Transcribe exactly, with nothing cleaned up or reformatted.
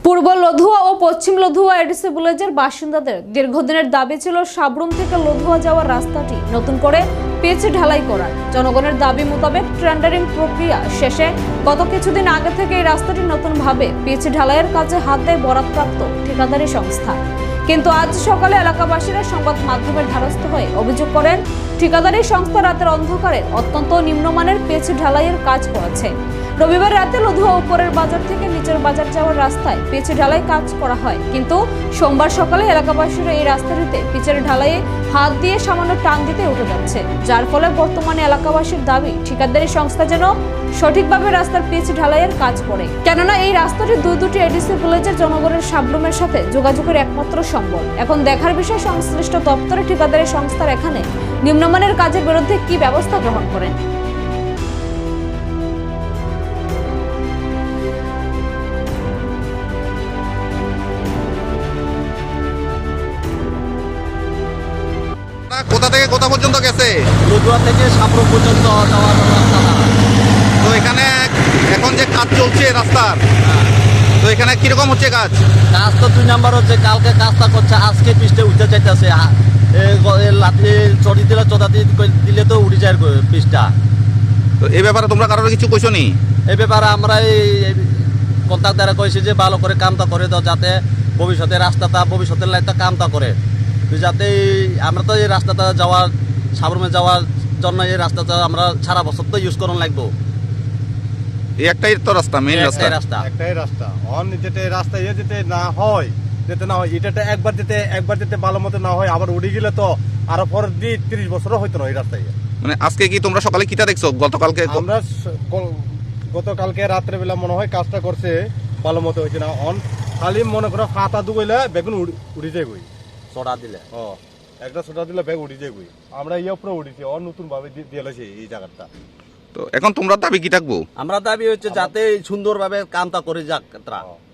পূর্ব লধুয়া ও পশ্চিম লধুয়া এডিসি ভিলেজের বাসিন্দাদের দীর্ঘদিনের দাবি ছিল সাবরুম থেকে লধুয়া যাওয়ার রাস্তাটি নতুন করে পিচ ঢালাই করার। জনগণের দাবি মোতাবেক টেন্ডারিং প্রক্রিয়া শেষে গত কিছুদিন আগে থেকে এই রাস্তাটি নতুনভাবে পিচ ঢালাইয়ের কাজে হাত দেয় বরাদ্দপ্রাপ্ত ঠিকাদারি সংস্থা। কিন্তু আজ সকালে এলাকাবাসীরা সংবাদ মাধ্যমের দ্বারস্থ হয়ে অভিযোগ করেন, ঠিকাদারি সংস্থা রাতের অন্ধকারে অত্যন্ত নিম্নমানের পিচ ঢালাইয়ের কাজ করেছে। রবিবার রাতে লধুয়া উপরের বাজার থেকে নিচের বাজার যাওয়ার রাস্তায় পিচ ঢালাই কাজ করা হয়, কিন্তু সোমবার সকালে এলাকাবাসীরা এই রাস্তাটিতে পিচের ঢালাইয়ে হাত দিয়ে সামান্য টান দিতে উঠে যাচ্ছে, যার ফলে বর্তমানে এলাকাবাসীর দাবি ঠিকাদারি সংস্থা যেন সঠিকভাবে রাস্তার পিচ ঢালাইয়ের কাজ করে, কেননা এই রাস্তাটি দুই দুটি এডিসি ভিলেজের জনগণের সাবরুমের সাথে যোগাযোগের একমাত্র সম্বল। এখন দেখার বিষয় সংশ্লিষ্ট দপ্তরে ঠিকাদারি সংস্থার এখানে নিম্নমানের কাজের বিরুদ্ধে কি ব্যবস্থা গ্রহণ করেন। কোথা থেকে কোথা পর্যন্ত গেছে? লধুয়া থেকে সাবরুম পর্যন্ত যাওয়ার রাস্তা। তো এখানে এখন যে কাজ চলছে রাস্তার, তো এখানে কিরকম হচ্ছে কাজ? কাজ তো দুই নাম্বার হচ্ছে, কালকে কাজটা করছে, আজকে পিসটা উঠে যাইতেছে। লাঠি চড়ি দিলে চোদা দিলে তো উঠে যায় পিসটা। তো এই ব্যাপারে তোমরা কারোর কিছু কইছো নি? এই ব্যাপারে আমরা এই কন্ট্রাক্টরে কইছি যে ভালো করে কামটা করে দাও, যাতে ভবিষ্যতে রাস্তাটা ভবিষ্যতের লাইটটা কামটা করে, যাতে আমরা তো এই রাস্তাটা যাওয়ার সাবরুমে যাওয়ার জন্য এই রাস্তাটা আমরা সারা বছর তো ইউজ করুন লাগবো। এই একটাই তো রাস্তা, মেইন রাস্তা রাস্তা একটাই রাস্তা। অন যেতে রাস্তা ইয়ে যেতে না হয় যেতে না হয় এটাতে একবার যেতে একবার যেতে ভালো মতো না হয়, আবার উড়ে গেলে তো আরো পর দিয়ে তিরিশ বছরও হইতো না এই রাস্তায়। মানে আজকে কি তোমরা সকালে কিটা দেখছো? গতকালকে আমরা গতকালকে রাত্রে বেলা মনে হয় কাজটা করছে, ভালো মতো হয়েছে না। অন খালি মনে করো খাতা দুগইলে বেগুন উড়ে যায় গই, চড়া দিলে ও একটা ছোটা দিলে ব্যাগ উড়ে যায় গই। আমরা ইয়ে উপরে উঠেছি, অন নতুন ভাবে দিয়ে লাইছে এই জায়গাটা। তো এখন তোমরা দাবি কি থাকবো? আমরা দাবি হচ্ছে যাতে সুন্দরভাবে কামটা করে যাক।